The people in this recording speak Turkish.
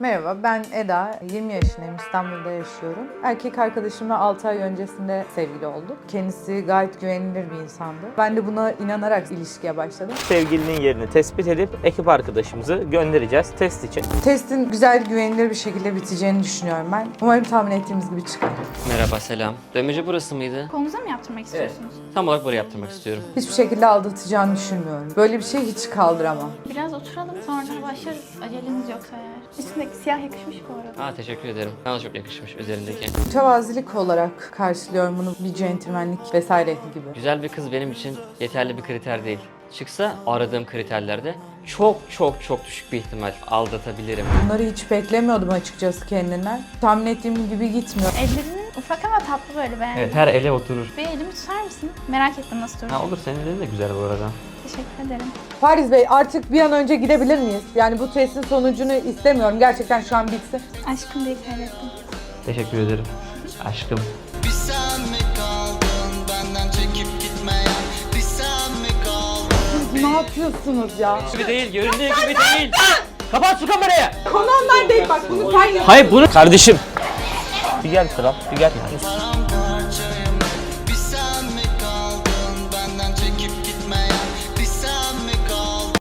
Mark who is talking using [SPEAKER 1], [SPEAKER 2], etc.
[SPEAKER 1] Merhaba, ben Eda. 20 yaşındayım, İstanbul'da yaşıyorum. Erkek arkadaşımla 6 ay öncesinde sevgili olduk. Kendisi gayet güvenilir bir insandı. Ben de buna inanarak ilişkiye başladım.
[SPEAKER 2] Sevgilinin yerini tespit edip ekip arkadaşımızı göndereceğiz test için.
[SPEAKER 1] Testin güzel, güvenilir bir şekilde biteceğini düşünüyorum ben. Umarım tahmin ettiğimiz gibi çıkar.
[SPEAKER 3] Merhaba, selam. Dövmeci burası mıydı?
[SPEAKER 4] Kolunuza mı yaptırmak istiyorsunuz?
[SPEAKER 3] Tam olarak böyle yaptırmak istiyorum.
[SPEAKER 1] Hiçbir şekilde aldatacağını düşünmüyorum. Böyle bir şey hiç kaldıramam.
[SPEAKER 4] Biraz oturalım sonra başlarız. Aceleniz yoksa eğer. Üstündeki siyah yakışmış bu arada.
[SPEAKER 3] Teşekkür ederim. Bana çok yakışmış üzerindeki.
[SPEAKER 1] Mütevazilik olarak karşılıyorum bunu, bir centilmenlik vesaire gibi.
[SPEAKER 3] Güzel bir kız benim için yeterli bir kriter değil. Çıksa aradığım kriterlerde çok düşük bir ihtimal aldatabilirim.
[SPEAKER 1] Bunları hiç beklemiyordum açıkçası kendinden. Tahmin ettiğim gibi gitmiyor.
[SPEAKER 4] Ellerinin ufak ama tatlı böyle beğendim.
[SPEAKER 3] Evet, her ele oturur.
[SPEAKER 4] Bir elimi tutar mısın? Merak ettim nasıl durur.
[SPEAKER 3] Olur, senin elin de güzel bu arada.
[SPEAKER 4] Teşekkür ederim.
[SPEAKER 1] Paris Bey, artık bir an önce gidebilir miyiz? Yani bu testin sonucunu istemiyorum. Gerçekten şu an bitsin.
[SPEAKER 4] Aşkım diye kaydettim.
[SPEAKER 3] Teşekkür ederim. Aşkım.
[SPEAKER 5] Bir sen mi kaldın benden çekip gitmeyen? Bir sen mi kaldın?
[SPEAKER 1] Ne yapıyorsunuz ya?
[SPEAKER 3] Gibi değil, göründüğü gibi değil. Kapat şu kamerayı.
[SPEAKER 1] Konu onlar değil, bak bunu sen yap.
[SPEAKER 3] Hayır bunu... Kardeşim.
[SPEAKER 2] Bir gel kral, bir gel.
[SPEAKER 5] Paramparça